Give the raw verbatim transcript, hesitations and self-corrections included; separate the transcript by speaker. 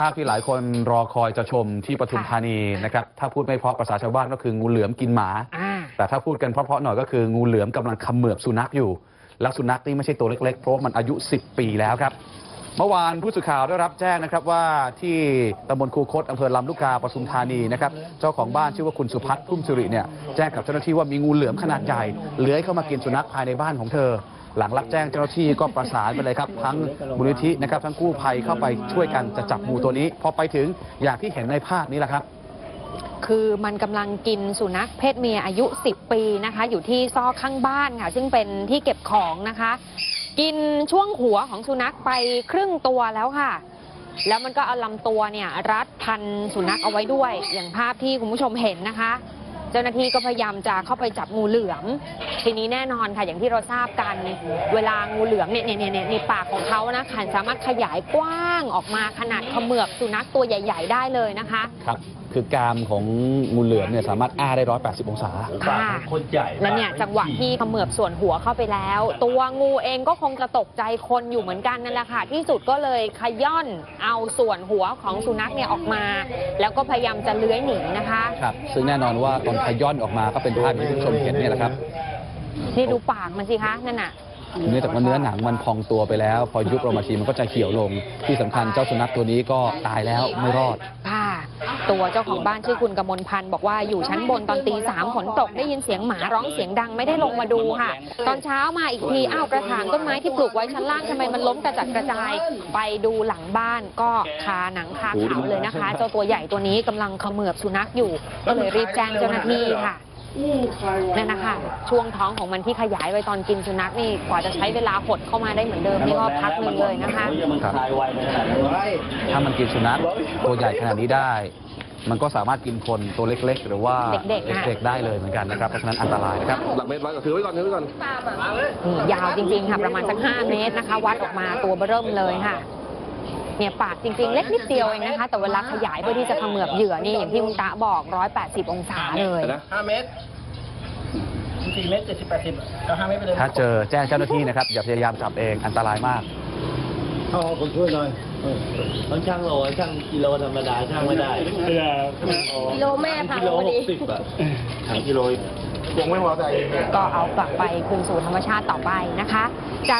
Speaker 1: ภาพที่หลายคนรอคอยจะชมที่ปทุมธานีนะครับถ้าพูดไม่เพราะภาษาชาวบ้านก็คืองูเหลือมกินหมาแต่ถ้าพูดกันเพราะๆหน่อยก็คืองูเหลือมกำลังเขมือบสุนัขอยู่แล้วสุนัขนี่ไม่ใช่ตัวเล็กๆเพราะมันอายุสิบปีแล้วครับเมื่อวานผู้สื่อข่าวได้รับแจ้งนะครับว่าที่ตำบลคูคตอำเภอลำลูกกาปทุมธานีนะครับเจ้าของบ้านชื่อว่าคุณสุพัฒน์พุ่มสิริเนี่ยแจ้งกับเจ้าหน้าที่ว่ามีงูเหลือมขนาดใหญ่เลื้อยเข้ามากินสุนัขภายในบ้านของเธอหลังรับแจ้งเจ้าหน้าที่ก็ประสานไปเลยครับทั้งมูลนิธินะครับทั้งกู้ภัยเข้าไปช่วยกันจะจับงูตัวนี้พอไปถึงอย่างที่เห็นในภาพนี้แหละครับ
Speaker 2: คือมันกำลังกินสุนัขเพศเมียอายุสิบปีนะคะอยู่ที่ซอกข้างบ้านค่ะซึ่งเป็นที่เก็บของนะคะกินช่วงหัวของสุนัขไปครึ่งตัวแล้วค่ะแล้วมันก็เอาลำตัวเนี่ยรัดพันสุนัขเอาไว้ด้วยอย่างภาพที่คุณผู้ชมเห็นนะคะเจ้าหน้าที่ก็พยายามจะเข้าไปจับงูเหลือมทีนี้แน่นอนค่ะอย่างที่เราทราบกันเวลางูเหลือมเนี่ยเนี่ยเนี่ยในปากของเขานะขันสามารถขยายกว้างออกมาขนาดเขมือบสุนัขตัวใหญ่ๆได้เลยนะคะ
Speaker 1: ครับคือกรามของงูเหลือมเนี่ยสามารถอ้าได้หนึ่งร้อยแปดสิบองศา
Speaker 2: ค่ะและเนี่ยจังหวะที่เขมือบส่วนหัวเข้าไปแล้วตัวงูเองก็คงจะตกใจคนอยู่เหมือนกันนั่นแหละค่ะที่สุดก็เลยขย่อนเอาส่วนหัวของสุนัขเนี่ยออกมาแล้วก็พยายามจะเลื้อยหนีนะคะ
Speaker 1: ครับซึ่งแน่นอนว่าตอนขย่อนออกมาก็เป็นภาพที่คุณผู้ชมเห็นเนี่ยแหละครับ
Speaker 2: นี่ดูปากมันสิคะนั่นน่ะ
Speaker 1: เนื่องจากว่าเนื้อหนังมันพองตัวไปแล้วพอยุบลงมาทีมันก็จะเขียวลงที่สำคัญเจ้าสุนัขตัวนี้ก็ตายแล้วไม่รอด
Speaker 2: ค่ะตัวเจ้าของบ้านชื่อคุณกมลพันธ์บอกว่าอยู่ชั้นบนตอนตีสามฝนตกได้ยินเสียงหมาร้องเสียงดังไม่ได้ลงมาดูค่ะตอนเช้ามาอีกทีอ้าวกระถางต้นไม้ที่ปลูกไว้ชั้นล่างทำไมมันล้มกระจัดกระจายไปดูหลังบ้านก็คาหนังคาเขาเลยนะคะเจ้าตัวใหญ่ตัวนี้กำลังเขมือบสุนัขอยู่ก็เลยรีบแจ้งเจ้าหน้าที่ค่ะนั่นนะคะช่วงท้องของมันที่ขยายไปตอนกินสุนัขนี่กว่าจะใช้เวลาหดเข้ามาได้เหมือนเดิมนี่ก็พักหนึ่งเลยนะคะ
Speaker 1: ถ้ามันกินสุนัขตัวใหญ่ขนาดนี้ได้มันก็สามารถกินคนตัวเล็กๆหรือว่า
Speaker 2: เด็ก
Speaker 1: ๆได้เลยเหมือนกันนะครับเพราะฉะนั้นอันตรายนะครับ
Speaker 3: หลักเมตรไว้ก็ถือไว้ก่อนถือไว้ก่อน
Speaker 2: ยาวจริงๆค่ะประมาณสักห้าเมตรนะคะวัดออกมาตัวเบิ่มเลยค่ะเนี่ยปากจริงๆเล็กนิดเดียวเองนะคะแต่เวลาขยายเพื่อที่จะเขมือบเหยื่อนี่อย่างที่คุณตาบอกหนึ่งร้อยแปดสิบองศาเลย
Speaker 3: ห้าเมตรสี่เมตรเจ็ดสิบแปดสิบก็ห้าเมตรไปเลย
Speaker 1: ถ้าเจอแจ้งเจ้าหน้าที่นะครับอย่าพยายามจับเองอันตรายมาก
Speaker 3: เอาคนช่วยหน่อยต้องช่างโลช่างกิโลธรรมดาช่างไม่ได้
Speaker 2: กิโลแม่พัง
Speaker 3: พอดีช่างกิโลยังไม่พอใจ
Speaker 2: ก็เอากลับไปคืนสู่ธรรมชาติต่อไปนะคะจาก